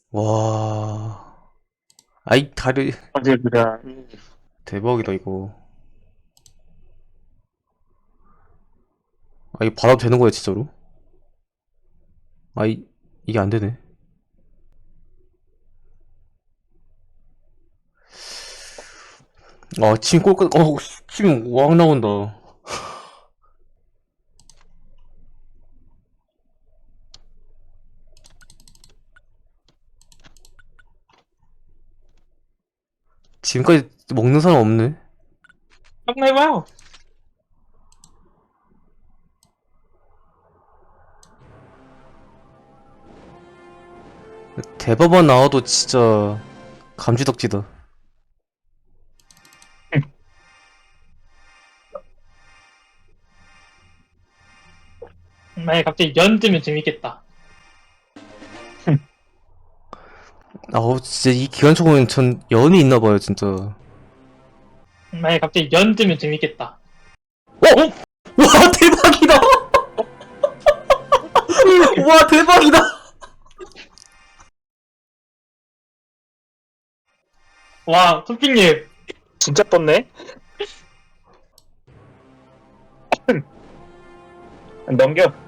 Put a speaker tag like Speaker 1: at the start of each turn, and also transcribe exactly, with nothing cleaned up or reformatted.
Speaker 1: 와. 아이, 다리,
Speaker 2: 어제 그냥
Speaker 1: 대박이다, 이거. 아, 이거 받아도 되는 거야, 진짜로? 아, 이, 이게 안 되네. 아, 침 꼴까, 어, 침 왕 나온다. 지금까지 먹는 사람 없네.
Speaker 2: 한번 해봐요.
Speaker 1: 대법원 나와도 진짜 감지덕지다.
Speaker 2: 만약에 갑자기 연 뜨면 재밌겠다.
Speaker 1: 아, 어, 진짜 이 기관총은 전 연이 있나 봐요, 진짜.
Speaker 2: 만약에 갑자기 연 뜨면 재밌겠다.
Speaker 1: 어?
Speaker 2: 어?
Speaker 1: 와, 대박이다! 와, 대박이다!
Speaker 2: 와, 토핑님.
Speaker 3: 진짜 떴네? 넘겨.